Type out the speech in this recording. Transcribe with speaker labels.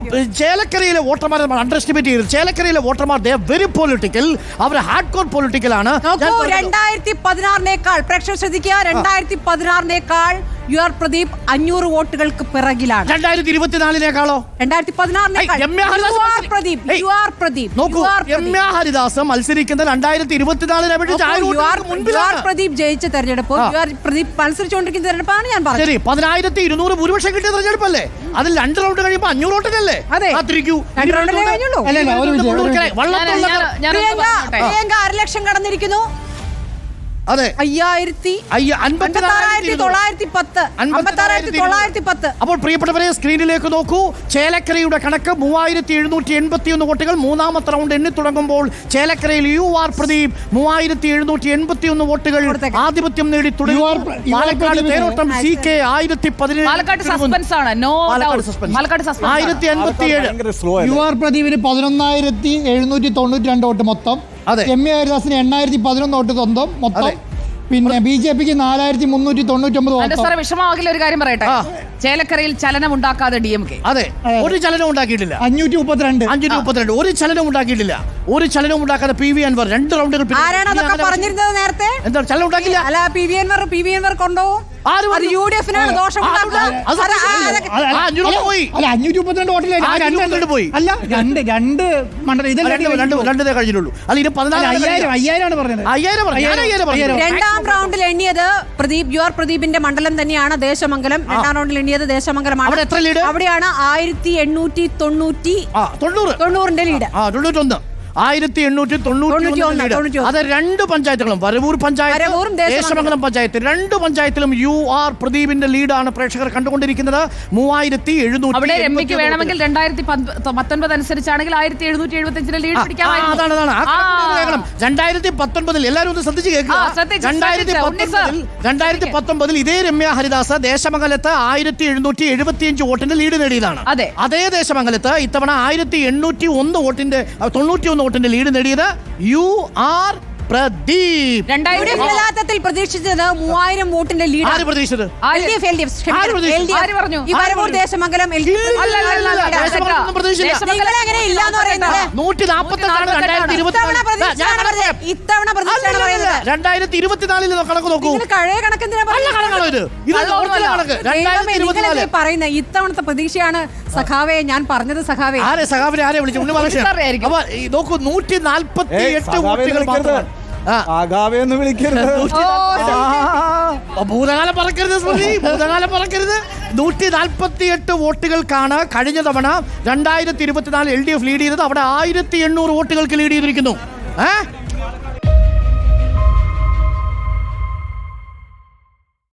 Speaker 1: ചേലക്കരയിലെ വോട്ടർമാരെ നമ്മൾ under estimate ചെയ്തു. ചേലക്കരയിലെ വോട്ടർമാർ വെരി പൊളിറ്റിക്കൽ, അവർ ഹാർഡ് കോർ പൊളിറ്റിക്കൽ ആണ്.
Speaker 2: 2016 പ്രേക്ഷകർ ശ്രദ്ധിക്കുക, 2016 യു ആർ പ്രദീപ് 500 വോട്ടുകൾക്ക് പിറകിലാണ്.
Speaker 1: 2024 ഹരിദാസ് മത്സരിക്കുന്നത് 2024
Speaker 2: പ്രദീപ് ജയിച്ച തെരഞ്ഞെടുപ്പ്, പ്രദീപ് മത്സരിച്ചുകൊണ്ടിരിക്കുന്ന തെരഞ്ഞെടുപ്പാണ് ഞാൻ പറഞ്ഞത്.
Speaker 1: ശരി, 12,200 ഭൂരിപക്ഷം കിട്ടിയ തെരഞ്ഞെടുപ്പല്ലേ? അതിൽ 2 റൗണ്ട് കഴിയുമ്പോൾ 500 വോട്ടിനല്ലേ?
Speaker 2: പ്രിയങ്ക 1 ലക്ഷം കടന്നിരിക്കുന്നു.
Speaker 1: അതെ,
Speaker 2: 56,910.
Speaker 1: അപ്പോൾ പ്രിയപ്പെട്ടവരെ സ്ക്രീനിലേക്ക് നോക്കൂ. ചേലക്കരയുടെ കണക്ക് 3,781 വോട്ടുകൾ. മൂന്നാമത്തെ റൗണ്ട് എണ്ണി തുടങ്ങുമ്പോൾ ചേലക്കരയിൽ യു ആർ പ്രദീപ് 3,781 വോട്ടുകൾ ആധിപത്യം നേടി തുടങ്ങി. പാലക്കാട് തേരോട്ടം CK 1017. 1057.
Speaker 3: യു ആർ പ്രദീപിന് 11,792 വോട്ട് മൊത്തം. എം എ ഹരിദാസിന് 8,011 വോട്ട് സ്വന്തം മൊത്തം. പിന്നെ BJPക്ക് 4,399 വോട്ട്.
Speaker 4: വിഷമമാകില്ല ഒരു കാര്യം പറയട്ടെ, ചേലക്കരയിൽ ചലനം ഉണ്ടാക്കാതെ DMK.
Speaker 1: അതെ, ഒരു ചലനം ഉണ്ടാക്കിയിട്ടില്ല.
Speaker 3: 532
Speaker 1: ഒരു ചലനം ഉണ്ടാക്കിയിട്ടില്ല. ഒരു ചലനം ഉണ്ടാക്കാതെ PV അൻവർ 2 റൗണ്ടുകൾ
Speaker 2: പറഞ്ഞിരുന്നത് നേരത്തെ.
Speaker 1: എന്താ ചലനം ഉണ്ടാക്കില്ല?
Speaker 2: അല്ല, PV അൻവർ കൊണ്ടുപോകും. അത് UDF-നാണ് ദോഷം.
Speaker 3: 532 വോട്ടിൽ
Speaker 1: പോയി.
Speaker 3: അല്ല, രണ്ട് മണ്ഡലം
Speaker 1: രണ്ടേ കഴിഞ്ഞിട്ടുള്ളൂ. അല്ല, ഇത്
Speaker 3: 5,000 പറഞ്ഞത്.
Speaker 1: 5,000.
Speaker 2: രണ്ടാം റൗണ്ടിൽ എണ്ണിയത് പ്രദീപ്, യു ആർ പ്രദീപിന്റെ മണ്ഡലം തന്നെയാണ് ദേശമംഗലം. രണ്ടാം റൗണ്ടിൽ എണ്ണിയത് ദേശമംഗലമാണ്. അവിടെയാണ് 1890 ലീഡ്.
Speaker 1: 1891. അത് 2 പഞ്ചായത്തുകളും, വരവൂർ പഞ്ചായത്ത്, ദേശമംഗലം പഞ്ചായത്ത്, 2 പഞ്ചായത്തിലും യു ആർ പ്രദീപിന്റെ ലീഡാണ് പ്രേക്ഷകർ കണ്ടുകൊണ്ടിരിക്കുന്നത്. 3,700.
Speaker 4: അവിടെ രമ്യക്ക് വേണമെങ്കിൽ 2019 അനുസരിച്ചാണെങ്കിൽ 1,775 ലീഡ് പിടിക്കാമായിരുന്നു.
Speaker 1: 2019 എല്ലാവരും ഒന്ന് ശ്രദ്ധിച്ച് കേൾക്കുക. 2019 ഇതേ രമ്യ ഹരിദാസ് ദേശമംഗലത്ത് 1,775 വോട്ടിന്റെ ലീഡ് നേടിയതാണ്. അതേ ദേശമംഗലത്ത് ഇത്തവണ 1,801 വോട്ടിന്റെ 91 വോട്ടിന്റെ ലീഡ് നേടിയത് യു ആർ പ്രദീപ്.
Speaker 2: പ്രതീക്ഷിച്ചത് 3000 വോട്ടിന്റെ ലീഡ്.
Speaker 1: ആര് പ്രതീക്ഷിച്ചത്?
Speaker 2: ദേശമംഗലം ഇത്തവണ
Speaker 1: 2024 കണക്ക് നോക്കൂ.
Speaker 2: പറയുന്ന ഇത്തവണത്തെ പ്രതീക്ഷയാണ് സഖാവെ ഞാൻ പറഞ്ഞത്. സഖാവെ
Speaker 1: ആരെ വിളിച്ചു? നോക്കൂ, 148 വോട്ടുകൾ മാത്രം. ഭൂതകാലം പറക്കരുത് സ്മൃതി, ഭൂതകാലം പറക്കരുത്. 148 വോട്ടുകൾക്കാണ് കഴിഞ്ഞ തവണ 2024 LDF ലീഡ് ചെയ്തത്. അവിടെ 1,800 വോട്ടുകൾക്ക് ലീഡ് ചെയ്തിരിക്കുന്നു.